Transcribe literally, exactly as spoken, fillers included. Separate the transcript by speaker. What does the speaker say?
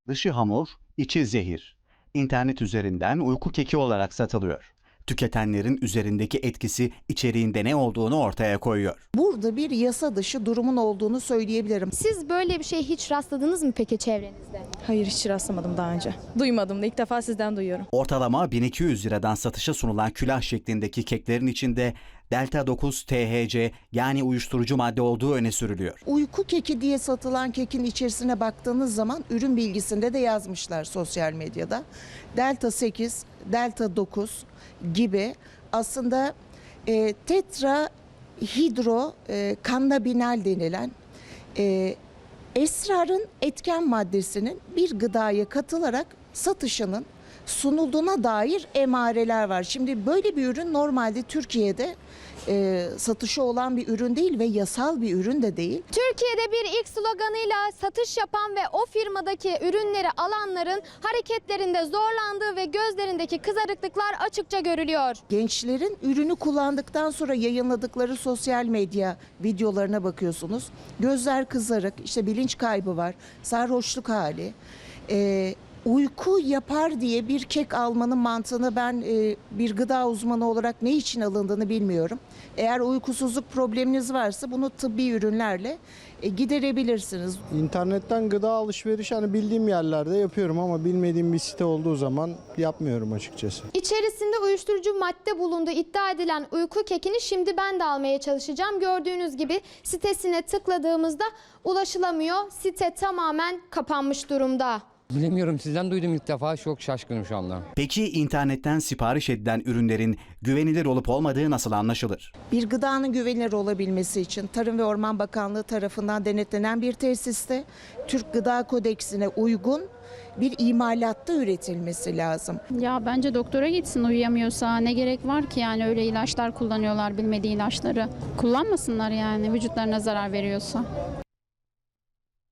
Speaker 1: Dışı hamur, içi zehir. İnternet üzerinden uyku keki olarak satılıyor. Tüketenlerin üzerindeki etkisi içeriğinde ne olduğunu ortaya koyuyor.
Speaker 2: Burada bir yasa dışı durumun olduğunu söyleyebilirim.
Speaker 3: Siz böyle bir şeye hiç rastladınız mı peki çevrenizde?
Speaker 4: Hayır, hiç rastlamadım daha önce. Duymadım da ilk defa sizden duyuyorum.
Speaker 1: Ortalama bin iki yüz liradan satışa sunulan külah şeklindeki keklerin içinde delta dokuz T H C yani uyuşturucu madde olduğu öne sürülüyor.
Speaker 2: Uyku keki diye satılan kekin içerisine baktığınız zaman ürün bilgisinde de yazmışlar sosyal medyada. Delta sekiz, delta dokuz gibi aslında e, tetrahidro e, kannabinal denilen e, esrarın etken maddesinin bir gıdaya katılarak satışının sunulduğuna dair emareler var. Şimdi böyle bir ürün normalde Türkiye'de e, satışı olan bir ürün değil ve yasal bir ürün de değil.
Speaker 3: Türkiye'de bir ilk sloganıyla satış yapan ve o firmadaki ürünleri alanların hareketlerinde zorlandığı ve gözlerindeki kızarıklıklar açıkça görülüyor.
Speaker 2: Gençlerin ürünü kullandıktan sonra yayınladıkları sosyal medya videolarına bakıyorsunuz. Gözler kızarık, işte bilinç kaybı var, sarhoşluk hali. E, Uyku yapar diye bir kek almanın mantığını ben e, bir gıda uzmanı olarak ne için alındığını bilmiyorum. Eğer uykusuzluk probleminiz varsa bunu tıbbi ürünlerle e, giderebilirsiniz.
Speaker 5: İnternetten gıda alışverişi hani bildiğim yerlerde yapıyorum ama bilmediğim bir site olduğu zaman yapmıyorum açıkçası.
Speaker 3: İçerisinde uyuşturucu madde bulunduğu iddia edilen uyku kekini şimdi ben de almaya çalışacağım. Gördüğünüz gibi sitesine tıkladığımızda ulaşılamıyor. Site tamamen kapanmış durumda.
Speaker 6: Bilemiyorum, sizden duydum ilk defa, çok şaşkınım şu anda.
Speaker 1: Peki internetten sipariş edilen ürünlerin güvenilir olup olmadığı nasıl anlaşılır?
Speaker 2: Bir gıdanın güvenilir olabilmesi için Tarım ve Orman Bakanlığı tarafından denetlenen bir tesiste Türk Gıda Kodeksine uygun bir imalatta üretilmesi lazım.
Speaker 7: Ya bence doktora gitsin uyuyamıyorsa, ne gerek var ki yani öyle ilaçlar kullanıyorlar, bilmediği ilaçları. Kullanmasınlar yani, vücutlarına zarar veriyorsa.